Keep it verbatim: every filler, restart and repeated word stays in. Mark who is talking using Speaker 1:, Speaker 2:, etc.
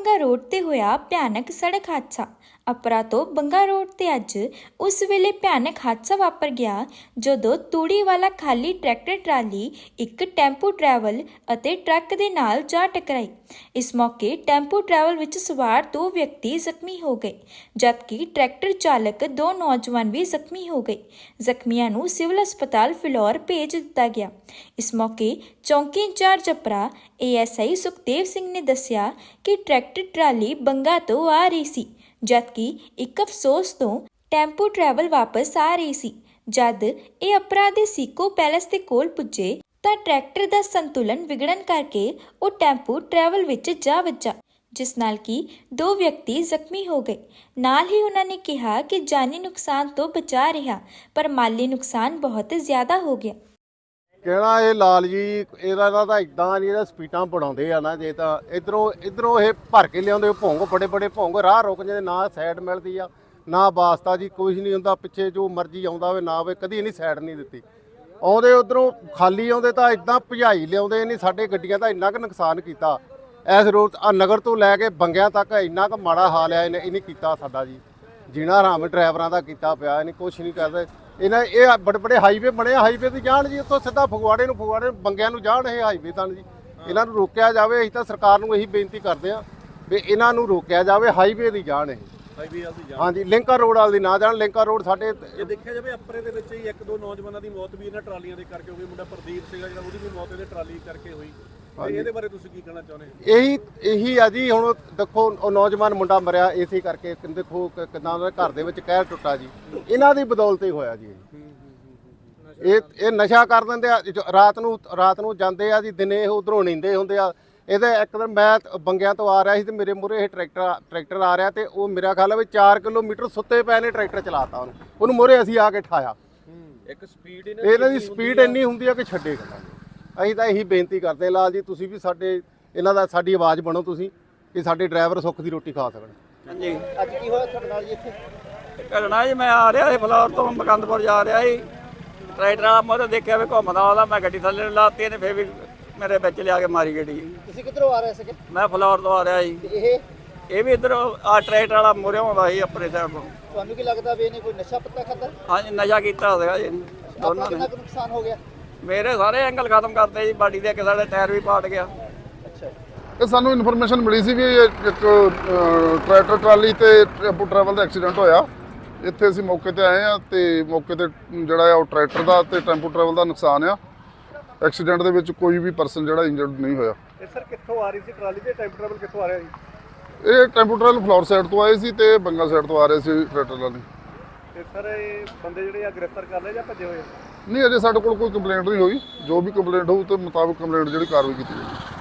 Speaker 1: बंगा road ते होया भयानक सड़क हादसा। अपरा तो बंगा रोड ते अज उस वेले भयानक हादसा वापर गया जदों तूड़ी वाला खाली ट्रैक्टर ट्राली एक टैंपू ट्रैवल अते ट्रक दे नाल जा टकराई। इस मौके टैंपू ट्रैवल विच सवार दो व्यक्ति जख्मी हो गए, जबकि ट्रैक्टर चालक दो नौजवान भी जख्मी हो गए। जख्मियां नूं सिविल अस्पताल फिलौर भेज दिता गया। इस मौके चौंकी इंचार्ज अपरा A S I Sukhdev Singh ने दस्सिया कि ट्रैक्टर ट्राली बंगा तो आ रही सी, जबकि एक अफसोस तो टैंपू ट्रैवल वापस आ रही सी। जद ਇਹ ਅਪਰਾ ਦੇ ਸੀਕੋ ਪੈਲੇਸ ਦੇ ਕੋਲ ਪੁੱਜੇ ਤਾਂ ट्रैक्टर ਦਾ ਸੰਤੁਲਨ ਵਿਗੜਨ ਕਰਕੇ ਉਹ ਟੈਂਪੂ ट्रैवल ਵਿੱਚ ਜਾ ਵੱਜਾ, ਜਿਸ ਨਾਲ ਕਿ ਦੋ ਵਿਅਕਤੀ ਜ਼ਖਮੀ ਹੋ ਗਏ। ਨਾਲ ਹੀ ਉਹਨਾਂ ਨੇ ਕਿਹਾ ਕਿ ਜਾਨੀ ਨੁਕਸਾਨ ਤੋਂ ਬਚਾ ਰਿਹਾ, ਪਰ ਮਾਲੀ ਨੁਕਸਾਨ ਬਹੁਤ ਜ਼ਿਆਦਾ ਹੋ ਗਿਆ।
Speaker 2: ਕਹਿਣਾ ਇਹ ਲਾਲ ਜੀ ਇਹਦਾ ਤਾਂ ਇਦਾਂ ਨਹੀਂ, ਇਹਦਾ ਸਪੀਡਾਂ ਬਣਾਉਂਦੇ ਆ ਨਾ, ਜੇ ਤਾਂ ਇਧਰੋਂ ਇਧਰੋਂ ਇਹ ਭਰ ਕੇ ਲਿਆਉਂਦੇ ਭੌਂਗ, ਬੜੇ ਬੜੇ ਭੌਂਗ, ਰਾਹ ਰੁਕ ਜਾਂਦੇ, ਨਾ ਸਾਈਡ ਮਿਲਦੀ ਆ ਨਾ ਵਾਸਤਾ ਜੀ, ਕੁਝ ਨਹੀਂ ਹੁੰਦਾ, ਪਿੱਛੇ ਜੋ ਮਰਜ਼ੀ ਆਉਂਦਾ ਹੋਵੇ ਨਾ ਹੋਵੇ, ਕਦੀ ਨਹੀਂ ਸਾਈਡ ਨਹੀਂ ਦਿੱਤੀ। ਆਉਂਦੇ ਉਧਰੋਂ ਖਾਲੀ ਆਉਂਦੇ ਤਾਂ ਇਦਾਂ ਭਜਾਈ ਲਿਆਉਂਦੇ ਨਹੀਂ, ਸਾਡੇ ਗੱਡੀਆਂ ਦਾ ਇੰਨਾ ਕੁ ਨੁਕਸਾਨ ਕੀਤਾ। ਇਸ ਰੋਡ ਆ ਨਗਰ ਤੋਂ ਲੈ ਕੇ ਬੰਗਿਆਂ ਤੱਕ ਇੰਨਾ ਕੁ ਮਾੜਾ ਹਾਲ ਆ, ਇਹਨੇ ਇਹਨੇ ਕੀਤਾ ਸਾਡਾ ਜੀ ਜੀਣਾ ਹਰਾਮ ਡਰਾਈਵਰਾਂ ਦਾ ਕੀਤਾ ਪਿਆ। ਇਹਨੇ ਕੁਛ ਨਹੀਂ ਕਰਦੇ। ਇਹਨਾਂ ਇਹ ਬੜੇ ਬੜੇ ਹਾਈਵੇ ਬਣੇ, ਹਾਈਵੇ ਤੇ ਜਾਣ ਜੀ, ਉੱਥੋਂ ਸਿੱਧਾ ਫਗਵਾੜੇ ਨੂੰ ਫਗਵਾੜੇ ਬੰਗਿਆਂ ਨੂੰ ਜਾਣ ਇਹ ਹਾਈਵੇ ਤਾਂ ਜੀ। ਇਹਨਾਂ ਨੂੰ ਰੋਕਿਆ ਜਾਵੇ। ਅਸੀਂ ਤਾਂ ਸਰਕਾਰ ਨੂੰ ਇਹੀ ਬੇਨਤੀ ਕਰਦੇ ਹਾਂ ਵੀ ਇਹਨਾਂ ਨੂੰ ਰੋਕਿਆ ਜਾਵੇ, ਹਾਈਵੇ ਦੀ ਜਾਣ ਇਹ ਹਾਂਜੀ, ਲਿੰਕਾ ਰੋਡ ਵਾਲ ਦੀ ਨਾ ਜਾਣ। ਲਿੰਕਾ ਰੋਡ ਸਾਡੇ
Speaker 3: ਜੇ ਦੇਖਿਆ ਜਾਵੇ ਅਪਰੇ ਦੇ ਵਿੱਚ ਹੀ ਇੱਕ ਦੋ ਨੌਜਵਾਨਾਂ ਦੀ ਮੌਤ ਵੀ ਇਹਨਾਂ ਟਰਾਲੀਆਂ ਦੇ ਕਰਕੇ ਹੋ ਗਈ। ਮੁੰਡਾ ਪ੍ਰਦੀਪ ਸੀਗਾ ਜਿਹੜਾ, ਉਹਦੀ ਵੀ ਮੌਤ ਇਹਦੇ ਟਰਾਲੀ ਕਰਕੇ ਹੋਈ। ਇਹਦੇ ਬਾਰੇ ਤੁਸੀਂ ਕੀ ਕਹਿਣਾ ਚਾਹੁੰਦੇ?
Speaker 2: ਇਹੀ ਇਹੀ ਆ ਜੀ। ਹੁਣ ਦੇਖੋ ਉਹ ਨੌਜਵਾਨ ਮੁੰਡਾ ਮਰਿਆ ਇਸੇ ਕਰਕੇ, ਦੇਖੋ ਕਿੰਨਾ ਉਹਦੇ ਘਰ ਦੇ ਵਿੱਚ ਕਹਿਰ ਟੁੱਟਾ ਜੀ, ਇਹਨਾਂ ਦੀ ਬਦੌਲਤ ਹੀ ਹੋਇਆ ਜੀ। ਇਹ ਇਹ ਨਸ਼ਾ ਕਰ ਦਿੰਦੇ ਆ, ਰਾਤ ਨੂੰ ਰਾਤ ਨੂੰ ਜਾਂਦੇ ਆ ਜੀ, ਦਿਨੇ ਇਹ ਉਧਰੋਂ ਨੀਂਦੇ ਹੁੰਦੇ ਆ। ਇਹਦੇ ਇੱਕ ਦਿਨ ਮੈਂ ਬੰਗਿਆਂ ਤੋਂ ਆ ਰਿਹਾ ਸੀ ਤੇ ਮੇਰੇ ਮੂਹਰੇ ਇਹ ਟਰੈਕਟਰ ਟਰੈਕਟਰ ਆ ਰਿਹਾ ਤੇ ਉਹ ਮੇਰਾ ਖਿਆਲ ਹੈ ਵੀ ਚਾਰ ਕਿਲੋਮੀਟਰ ਸੁੱਤੇ ਪਏ ਨੇ ਟਰੈਕਟਰ ਚਲਾਤਾ ਉਹਨੂੰ ਉਹਨੂੰ ਮੂਹਰੇ ਅਸੀਂ ਆ ਕੇ ਠਾਇਆ।
Speaker 3: ਇੱਕ ਸਪੀਡ
Speaker 2: ਇਹਨਾਂ ਦੀ ਸਪੀਡ ਇੰਨੀ ਹੁੰਦੀ ਆ ਕਿ ਛੱਡੇ ਗੱਲਾਂ। ਅਸੀਂ ਤਾਂ ਇਹੀ ਬੇਨਤੀ ਕਰਦੇ ਲਾਲ ਜੀ, ਤੁਸੀਂ ਵੀ ਸਾਡੇ ਇਹਨਾਂ ਦਾ ਸਾਡੀ ਆਵਾਜ਼ ਬਣੋ ਤੁਸੀਂ, ਕਿ ਸਾਡੇ ਡਰਾਈਵਰ ਸੁੱਖ ਦੀ ਰੋਟੀ ਖਾ ਸਕਣ।
Speaker 3: ਹਾਂਜੀ,
Speaker 4: ਅੱਜ ਕੀ ਹੋਇਆ ਤੁਹਾਡੇ ਨਾਲ ਜੀ ਇੱਥੇ?
Speaker 5: ਘਟਨਾ ਜੀ, ਮੈਂ ਆ ਰਿਹਾ ਸੀ ਫਲੋਰ ਤੋਂ ਮੁਕੰਦਪੁਰ ਜਾ ਰਿਹਾ ਸੀ, ਟਰੈਕਟਰ ਵਾਲਾ ਮੋਰੇ ਦੇਖਿਆ ਵੀ ਘੁੰਮਦਾ ਆਉਂਦਾ, ਮੈਂ ਗੱਡੀ ਥੱਲੇ ਲਾਤੀ, ਇਹਨੇ ਫਿਰ ਵੀ ਮੇਰੇ ਵਿੱਚ ਲਿਆ ਕੇ ਮਾਰੀ ਗੱਡੀ।
Speaker 4: ਤੁਸੀਂ ਕਿੱਧਰੋਂ ਆ ਰਹੇ ਸੀਗੇ?
Speaker 5: ਮੈਂ ਫਲੋਰ ਤੋਂ ਆ ਰਿਹਾ ਜੀ।
Speaker 4: ਇਹ
Speaker 5: ਇਹ ਵੀ ਇੱਧਰ ਆ ਟਰੈਕਟਰ ਵਾਲਾ ਮੋਰੇ ਆਉਂਦਾ ਸੀ ਆਪਣੇ ਸਾਈਡ ਤੋਂ।
Speaker 4: ਤੁਹਾਨੂੰ ਕੀ ਲੱਗਦਾ ਵੀ ਇਹਨੇ ਕੋਈ ਨਸ਼ਾ ਪੱਤਾ ਖਾਧਾ?
Speaker 5: ਹਾਂਜੀ, ਨਸ਼ਾ ਕੀਤਾ ਸੀਗਾ ਜੀ
Speaker 4: ਆਪਣਾ
Speaker 5: ਦੋਨਾਂ
Speaker 4: ਕਿੰਨਾ
Speaker 5: ਨੇ।
Speaker 4: ਕੁ ਨੁਕਸਾਨ ਹੋ ਗਿਆ?
Speaker 5: ਮੇਰੇ ਸਾਰੇ ਐਂਗਲ ਖਤਮ ਕਰਤੇ ਜੀ, ਬਾਡੀ ਦੇ ਇੱਕ ਸਾਡੇ ਟਾਇਰ ਵੀ ਪਾਟ ਗਿਆ।
Speaker 4: ਅੱਛਾ,
Speaker 6: ਇਹ ਸਾਨੂੰ ਇਨਫੋਰਮੇਸ਼ਨ ਮਿਲੀ ਸੀ ਵੀ ਇਹ ਇੱਕ ਟਰੈਕਟਰ ਟਰਾਲੀ ਤੇ ਟੈਂਪੂ ਟਰੈਵਲ ਦਾ ਐਕਸੀਡੈਂਟ ਹੋਇਆ। ਇੱਥੇ ਅਸੀਂ ਮੌਕੇ ਤੇ ਆਏ ਆ ਤੇ ਮੌਕੇ ਤੇ ਜਿਹੜਾ ਆ ਉਹ ਟਰੈਕਟਰ ਦਾ ਤੇ ਟੈਂਪੂ ਟਰੈਵਲ ਦਾ ਨੁਕਸਾਨ ਆ। ਐਕਸੀਡੈਂਟ ਦੇ ਵਿੱਚ ਕੋਈ ਵੀ ਪਰਸਨ ਜਿਹੜਾ ਇੰਜਰਡ ਨਹੀਂ ਹੋਇਆ।
Speaker 3: ਇਹ ਸਰ ਕਿੱਥੋਂ ਆ ਰਹੀ ਸੀ ਟਰਾਲੀ ਤੇ ਟੈਂਪੂ ਟਰੈਵਲ ਕਿੱਥੋਂ ਆ ਰਿਹਾ ਜੀ?
Speaker 6: ਇਹ ਟੈਂਪੂ ਟਰੈਵਲ ਫਲੋਰ ਸਾਈਡ ਤੋਂ ਆਏ ਸੀ ਤੇ ਬੰਗਾ ਸਾਈਡ ਤੋਂ ਆ ਰਹੇ ਸੀ ਟਰੈਕਟਰ ਵਾਲੇ।
Speaker 3: ਤੇ ਸਰ ਇਹ ਬੰਦੇ ਜਿਹੜੇ ਆ ਗ੍ਰਿਫਤਾਰ ਕਰ ਲਏ ਜਾਂ ਭੱਜੇ ਹੋਏ?
Speaker 6: ਨਹੀਂ, ਅਜੇ ਸਾਡੇ ਕੋਲ ਕੋਈ ਕੰਪਲੇਂਟ ਨਹੀਂ ਹੋਈ। ਜੋ ਵੀ ਕੰਪਲੇਂਟ ਹੋਊ ਤੇ ਮੁਤਾਬਕ ਕੰਪਲੇਂਟ ਜਿਹੜੀ ਕਾਰਵਾਈ ਕੀਤੀ ਜਾਏਗੀ।